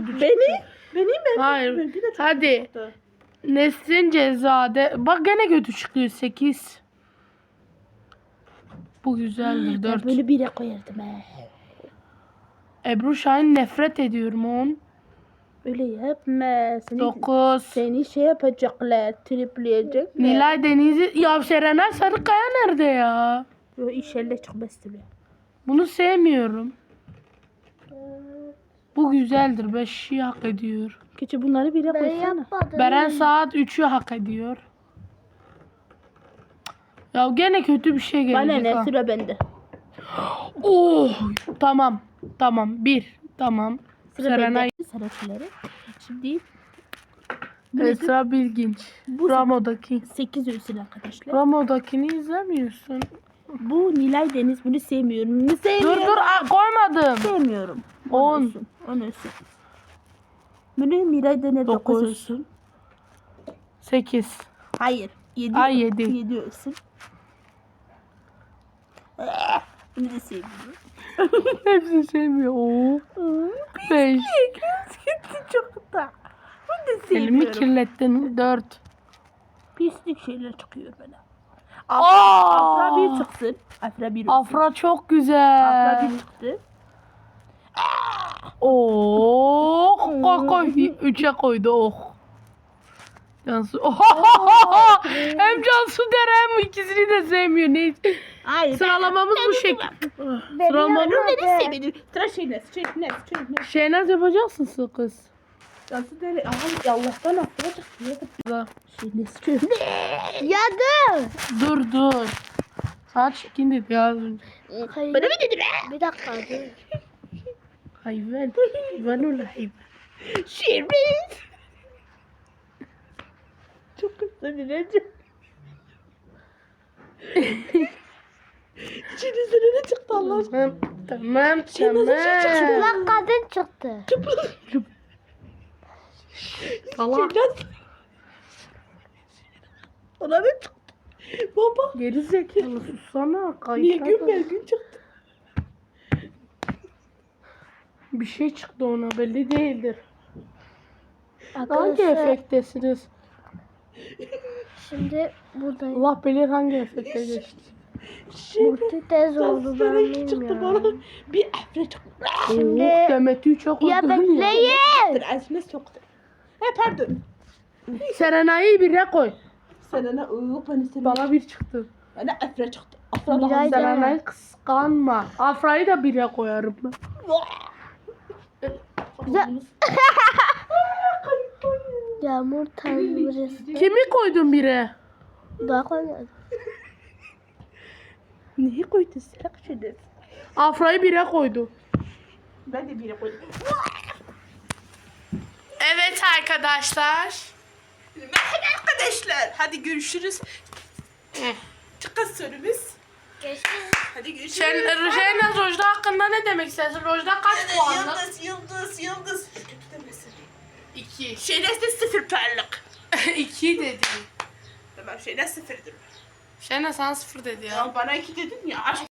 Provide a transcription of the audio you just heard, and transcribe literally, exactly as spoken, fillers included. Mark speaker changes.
Speaker 1: kötü çıktı.
Speaker 2: Beni? Beni mi?
Speaker 1: Hayır.
Speaker 2: Benimki de çok
Speaker 1: Hadi.
Speaker 2: kötü çıktı.
Speaker 1: Nesrin Cezade. Bak gene kötü çıkıyor. sekiz. Bu güzeldir.
Speaker 2: Ben
Speaker 1: dört.
Speaker 2: böyle bire koyardım he.
Speaker 1: Ebru Şahin nefret ediyorum. on.
Speaker 2: Öyle yapma. Seni,
Speaker 1: dokuz.
Speaker 2: seni şey yapacaklar. Tripleyecekler.
Speaker 1: Nilay Deniz'i. Ya Serenay Sarıkaya nerede ya?
Speaker 2: Yo inşallah çıkmaz bile.
Speaker 1: Bunu sevmiyorum. Bu güzeldir. beşi hak ediyor.
Speaker 2: Keçi bunları bire
Speaker 3: Ben
Speaker 2: koysana.
Speaker 3: yapmadım.
Speaker 1: Beren Saat üçü hak ediyor. Ya gene kötü bir şey
Speaker 2: Bana
Speaker 1: gelecek
Speaker 2: ne
Speaker 1: ha.
Speaker 2: sıra bende.
Speaker 1: Oh, tamam. Tamam. Bir. Tamam.
Speaker 2: Sıra
Speaker 1: Serenay.
Speaker 2: bende. Sırakileri. Şimdi
Speaker 1: Esra Bilginç.
Speaker 2: Bu
Speaker 1: Ramo'daki.
Speaker 2: sekiz ölsün arkadaşlar.
Speaker 1: Ramo'dakini izlemiyorsun.
Speaker 2: Bu Nilay Deniz, bunu sevmiyorum. Bunu
Speaker 1: Dur
Speaker 2: sevmiyorum.
Speaker 1: dur aa, koymadım.
Speaker 2: Sevmiyorum.
Speaker 1: On.
Speaker 2: ölsün. on ölsün. Bunu Nilay Deniz
Speaker 1: Dokuz.
Speaker 2: dokuz ölsün.
Speaker 1: sekiz.
Speaker 2: Hayır. yedi.
Speaker 1: Ay, yedi.
Speaker 2: yedi ölsün. Bunu da sevmiyorum.
Speaker 1: Hepsini sevmiyor. Oo. beş.
Speaker 2: Gitti çok da. Bunu da
Speaker 1: Elimi
Speaker 2: sevmiyorum.
Speaker 1: kirlettin. dört.
Speaker 2: Pislik şeyler çıkıyor bana.
Speaker 1: Aa!
Speaker 2: Afra bir çıksın. Afra bir ölsün.
Speaker 1: Afra çok güzel.
Speaker 2: Afra bir çıktı.
Speaker 1: Oh, koy koy. Üçe koydu oh. Cansu. Oh. Hem Cansu der hem ikisini de sevmiyor. Neyse.
Speaker 2: Hayır.
Speaker 1: Sıralamamız bu şekilde.
Speaker 3: Ben
Speaker 1: Sıralamamız.
Speaker 2: Ben onu
Speaker 3: yapmadım.
Speaker 2: sevmedim. Tıraş şeyler. Şeyler. Şeyler.
Speaker 1: Şehnaz yapacaksın kız.
Speaker 2: Nasıl deli? Aha Allah'tan afra çıktı. Şeyler. Şeyler.
Speaker 3: Ya dur.
Speaker 1: Dur dur. Saat çekindi ya az önce.
Speaker 3: Hayır.
Speaker 2: Bana mı dedi be?
Speaker 3: Bir dakika dur.
Speaker 1: Hayvan. Hayvan ol hayvan.
Speaker 2: Şeyler. Çok kısalacağım. İçinizde ne çıktı Allah aşkına?
Speaker 1: Tamam tamam tamam.
Speaker 3: Çıplak kadın çıktı.
Speaker 1: Salak.
Speaker 2: Şeyler. Ona ne çıktı? Baba.
Speaker 1: Geri zekalı sussana.
Speaker 2: Niye
Speaker 1: Kayıtlar
Speaker 2: gün
Speaker 1: da-
Speaker 2: ver gün çıktı?
Speaker 1: Bir şey çıktı ona belli değildir. Hangi
Speaker 3: Arkadaşlar
Speaker 1: efektesiniz?
Speaker 3: şimdi buradayım.
Speaker 1: Allah bilir hangi efekte geçti.
Speaker 3: Muhti tez oldu ben
Speaker 2: Sana iki çıktı bana.
Speaker 3: bilmiyorum.
Speaker 2: Bir afra çıktı.
Speaker 3: Şimdi
Speaker 1: Oh, Demet'i çok
Speaker 3: ya
Speaker 1: öldürdün
Speaker 3: bekleyin.
Speaker 2: Azmes çoktu. He pardon.
Speaker 1: Serenay'ı bire koy.
Speaker 2: Sana ne? Iıı bana sana.
Speaker 1: Bana bir çıktı.
Speaker 2: Bana afra çıktı. Afra
Speaker 3: Miray
Speaker 2: daha
Speaker 3: da-
Speaker 2: güzel.
Speaker 1: Serenay'ı kıskanma. Afra'yı da bire koyarım ben.
Speaker 3: Güzel. Yağmur tanrısı.
Speaker 1: Kimi koydun bire?
Speaker 3: Daha koymadım.
Speaker 2: Neyi koydun sen? Şöyle.
Speaker 1: Afra'yı bire koydu.
Speaker 2: Ben de bire koydum.
Speaker 1: Evet arkadaşlar.
Speaker 2: Merhaba arkadaşlar. Hadi görüşürüz. Çıkın sorumuz. Hadi görüşürüz.
Speaker 1: Sen Şehnaz Rojda hakkında ne demek istersin? Rojda kaç puanlık?
Speaker 2: Yıldız, yıldız, yıldız. Kötü demesin.
Speaker 1: İki.
Speaker 2: Şeyler de sıfır parlak.
Speaker 1: İki dedi.
Speaker 2: Tamam şeyler sıfırdır.
Speaker 1: Şehnaz sana sıfır dedi ya.
Speaker 2: Ya bana iki dedin ya. Aşk